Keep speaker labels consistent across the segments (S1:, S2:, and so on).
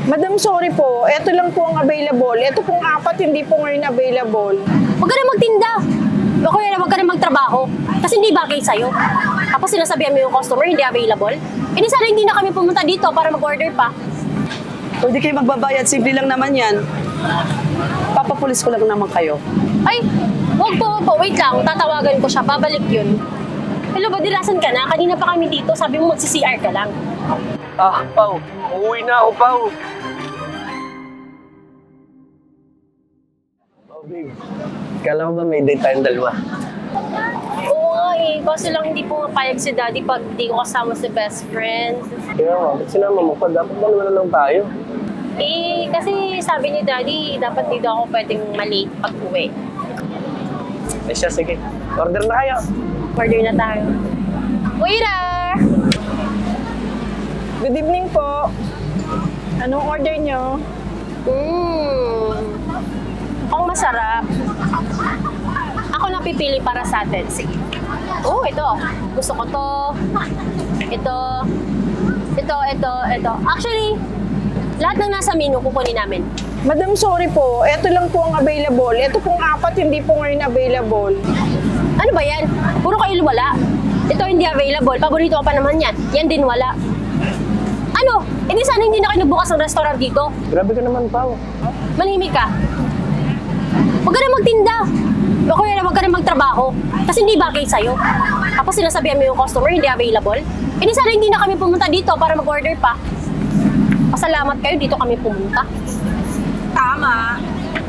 S1: Madam, sorry po. Ito lang po ang available. Ito pong apat, hindi po ngayon available.
S2: Huwag ka na magtinda. O kaya huwag ka na magtrabaho. Kasi hindi bagay sa'yo. Tapos sinasabihan mo yung customer, hindi available. Eh di sana hindi na kami pumunta dito para mag-order pa.
S3: Pwede kayo magbabayad, simple lang naman yan. Papapulis ko lang naman kayo.
S2: Ay, huwag po. Wait lang, tatawagan ko siya. Babalik yun. Hello, badilasan ka na? Kanina pa kami dito. Sabi mo magsi-CR ka lang.
S4: Ah, Pao. Uuwi na ako, Pao. Oh, babe. Kala mo ba may date tayong dalawa?
S2: Oo nga eh. Kaso lang hindi po mapayag si daddy pag di ko kasama si best friend.
S4: Kaya nga, ba't sinama mo pa? Dapat dalawa na lang tayo.
S2: Eh, kasi sabi ni daddy, dapat dito ako pwedeng malate pag uwi.
S4: Eh siya, sige. Order na kayo.
S2: Order na tayo. Waiter!
S1: Good evening po. Anong order nyo?
S2: Mukhang masarap. Ako napipili para sa atin. Sige. Oh, ito. Gusto ko to. Ito. Actually, lahat ng nasa menu kukunin namin.
S1: Madam, sorry po. Ito lang po ang available. Ito pong apat, hindi po ngayon available.
S2: Ano ba yan? Puro kayo wala. Ito hindi available. Paborito ko pa naman yan. Yan din wala. Ano? Eh di sana hindi na kayo nagbukas ng restaurant dito.
S4: Grabe ka naman, Pao.
S2: Manimik ka. Huwag ka na magtinda. O kaya huwag ka na magtrabaho. Kasi hindi bagay sa'yo. Tapos sinasabihan mo yung customer, hindi available. Eh di sana hindi na kami pumunta dito para mag-order pa. Pasalamat kayo, dito kami pumunta.
S1: Tama.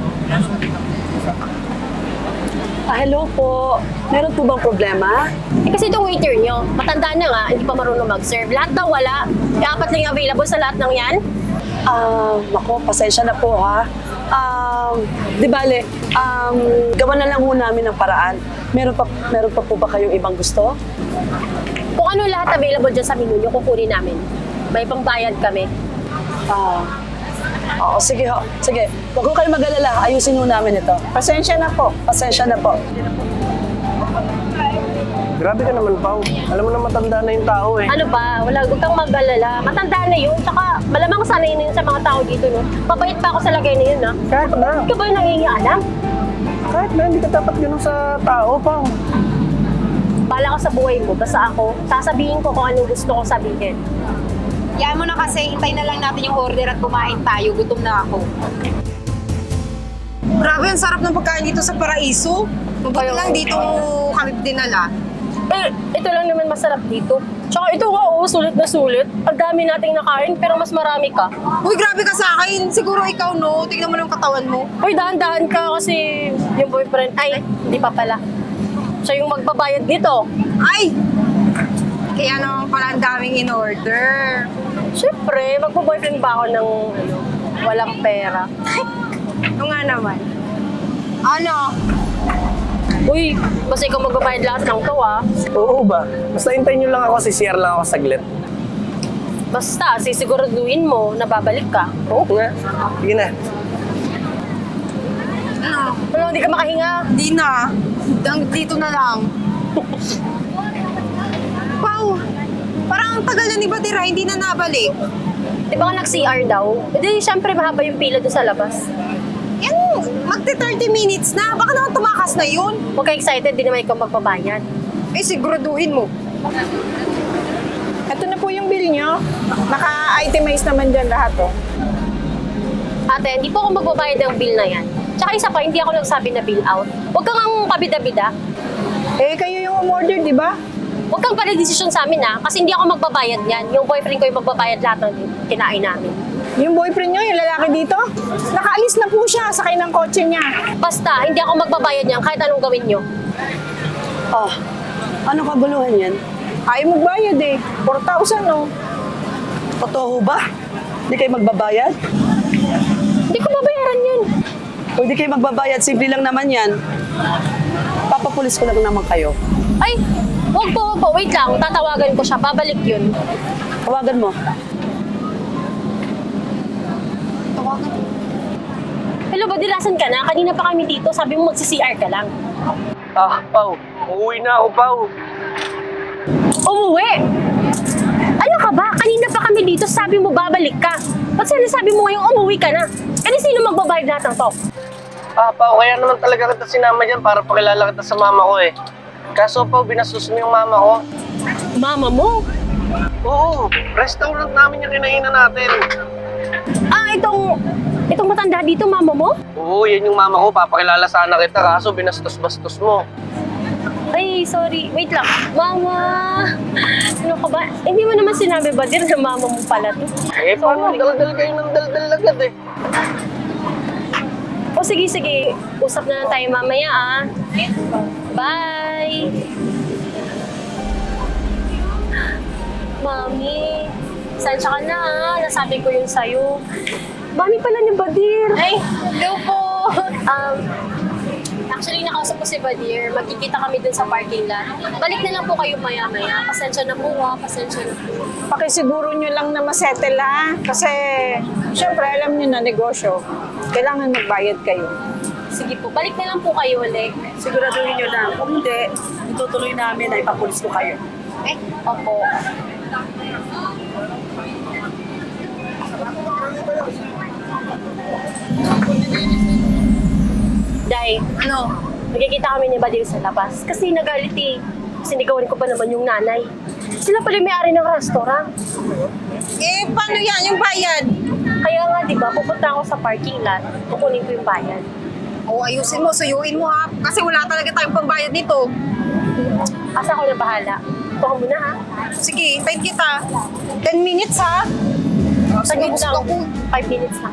S3: Hello po. Meron po bang problema?
S2: Eh kasi itong waiter nyo, matanda na nga, hindi pa marunong mag-serve. Lahat daw wala. E, apat lang yung available sa lahat ng yan.
S3: Nako, pasensya na po ha. Di bale, gawa na lang ho namin ng paraan. Meron pa po ba kayong ibang gusto?
S2: Kung ano lahat available dyan sa menu nyo, kukunin namin. May pangbayad kami.
S3: Oo, sige ho. Sige, huwag ko kayo mag-alala. Ayusin ho namin ito.
S1: Pasensya na po.
S3: Pasensya na po.
S4: Grabe ka naman, Pao. Alam mo na matanda na yung tao eh.
S2: Ano ba? Huwag kang mag-alala. Matanda na yun. Tsaka malamang sanay na yun sa mga tao dito, no? Mabait pa ako sa lagay na yun, no?
S4: Kahit na.
S2: Ikaw ba yung nangingialam?
S4: Kahit na, hindi ka dapat ganun sa tao, Pao.
S2: Bala ka sa buhay mo. Basta ako, sasabihin ko kung anong gusto ko sabihin.
S5: Yan mo na kasi, hintay na lang natin yung order at kumain tayo. Gutom na ako. Grabe, ang sarap ng pagkain dito sa Paraiso. Mabuti lang dito kami dinala.
S2: Eh, ito lang naman masarap dito. Tsaka ito nga, oh, sulit na sulit. Ang dami nating nakain, pero mas marami ka.
S5: Uy, grabe ka sa akin. Siguro ikaw, no? Tignan mo lang yung katawan mo.
S2: Uy, dahan-dahan ka kasi yung boyfriend, ay, hindi pa pala. Siya yung magbabayad dito.
S5: Ay! Kaya naman pala ang daming in-order.
S2: Siyempre, magbo-boyfriend ba ako ng walang pera?
S5: Ito nga naman. Ano?
S2: Uy, basta ikaw magbabayad lahat ng to, ah.
S4: Oo ba? Basta hintayin nyo lang ako, CCR lang ako saglit.
S2: Basta, sisiguraduhin mo na babalik ka.
S4: Oo nga. Sige na.
S5: Ano?
S2: Ano, hindi ka makahinga?
S5: Di na. Dito na lang. Wow! Parang ang tagal na ni Batira, hindi na nabalik.
S2: Di ba nga nag-CR daw? E di, syempre mahaba yung pila doon sa labas.
S5: Yan, magti-30 minutes na. Baka naman tumakas na yun.
S2: Huwag ka excited, di naman ikaw magbabayad.
S5: Eh, siguraduhin mo.
S1: Ito na po yung bill nyo. Naka-itemize naman dyan lahat, oh.
S2: Ate, hindi po ako magbabayad ng bill na yan. Tsaka isa pa, hindi ako nagsabi na bill out. Huwag kang ang pabida-bida.
S1: Eh, kayo yung umorder, di ba?
S2: Huwag kang pala-desisyon sa amin, ha? Kasi hindi ako magbabayad yan. Yung boyfriend ko yung magbabayad lahat ng kinain namin.
S1: Yung boyfriend nyo, yung lalaki dito, nakaalis na po siya, sakay ng kotse niya.
S2: Basta, hindi ako magbabayad yan kahit anong gawin nyo.
S3: Ano kaguluhan yan?
S1: Ayaw magbayad eh. 4,000, no?
S3: Totoo ho ba? Hindi kayo magbabayad?
S2: Hindi ko babayaran yun.
S3: Pwede kayo magbabayad, simple lang naman yan. Papapulis ko lang naman kayo.
S2: Ay, huwag po. Wait lang, tatawagan ko siya. Babalik yun.
S3: Tawagan mo.
S2: Hello, badilasan ka na? Kanina pa kami dito. Sabi mo magsi-CR ka lang.
S4: Ah, Pao. Uuwi na ako, Pao.
S2: Umuwi! Ano ka ba? Kanina pa kami dito. Sabi mo babalik ka. Ba't sinasabi mo ngayong umuwi ka na? Eh, di sino magbabayad lahat ng to?
S4: Pao, kaya naman talaga kita sinama dyan para pakilala kita sa mama ko eh. Kaso Pao, binastos mo yung mama ko.
S2: Mama mo?
S4: Oo, restaurant namin yung kinainan natin.
S2: Ah, itong matanda dito, mama mo?
S4: Oo, yan yung mama ko. Papakilala sana kita kaso binastos-bastos mo.
S2: Ay, sorry. Wait lang. Mama! Ano ka ba? Hindi mo naman sinabi ba din na mama mo pala to?
S4: Eh, paano? Daldal kayo ng daldal agad eh.
S2: O sige, sige. Usap na lang tayo mamaya ah. Bye! Mami, sansya ka na ah. Nasabi ko yun sa'yo. Mami pala ni Badir.
S5: Ay, hello po.
S2: Actually, nakausap ko si Badir. Magkikita kami dun sa parking lot. Balik na lang po kayo maya-maya. Pasensya na po ha. Pasensya na po.
S1: Pakisiguro nyo lang na masettle ha. Kasi, syempre, alam nyo na negosyo. Kailangan magbayad kayo.
S2: Sige po, balik na lang po kayo ulit.
S3: Siguraduhin nyo lang. Kung hindi, itutuloy namin na ipapulis ko kayo.
S2: Opo. Day,
S5: Ano?
S2: magkikita kami ni Badir sa labas. Kasi nagalit eh. Sinigawan ko pa naman yung nanay. Sila pala yung may-ari ng restaurant.
S5: Eh, paano yan? Yung bayad?
S2: Kaya nga, di ba, pupunta ako sa parking lot. Kukunin ko yung bayad.
S5: O, ayusin mo, suyuin mo ha. Kasi wala talaga tayong pambayad nito.
S2: Asa ako na bahala. Tuka mo na ha.
S5: Sige, paid kita. 10 minutes ha.
S2: Saglit
S5: gusto
S2: lang.
S5: ko.
S2: 5 minutes lang.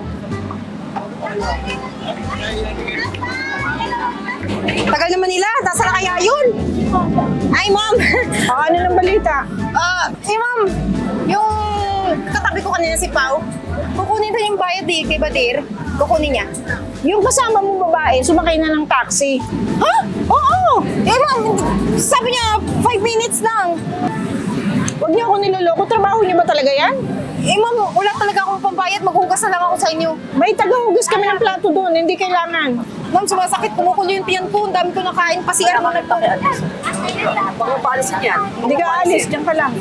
S5: Tagal naman nila. Nasaan na kaya yun? Ay, ma'am.
S1: Ano ng balita?
S5: Ma'am. Yung katabi ko kanina si Pao. Kukunin din yung bayad kay Badir. Kukunin niya.
S1: Yung kasama mong babae, sumakay na ng taxi.
S5: Ha? Oo! Eh, ma'am, sabi niya 5 minutes lang.
S1: Huwag niyo ako niloloko. Trabaho niyo ba talaga yan?
S5: Eh, ma'am, wala talaga akong pambayad. Maghugas na lang ako sa inyo.
S1: May tagahugas kami ng plato doon. Hindi kailangan.
S5: Ma'am, sumasakit. Kumukulo yung tiyan ko. Ang dami ko nakain. Pasiyan mo na po.
S3: Baka paalisin yan.
S1: Hindi ka alis. Diyan ka lang.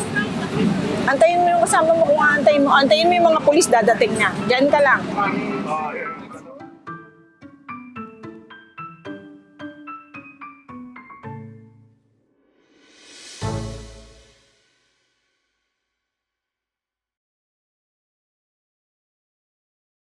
S1: Antayin mo yung kasama mo kung aantayin mo. Antayin mo yung mga pulis dadating na. Diyan ka lang.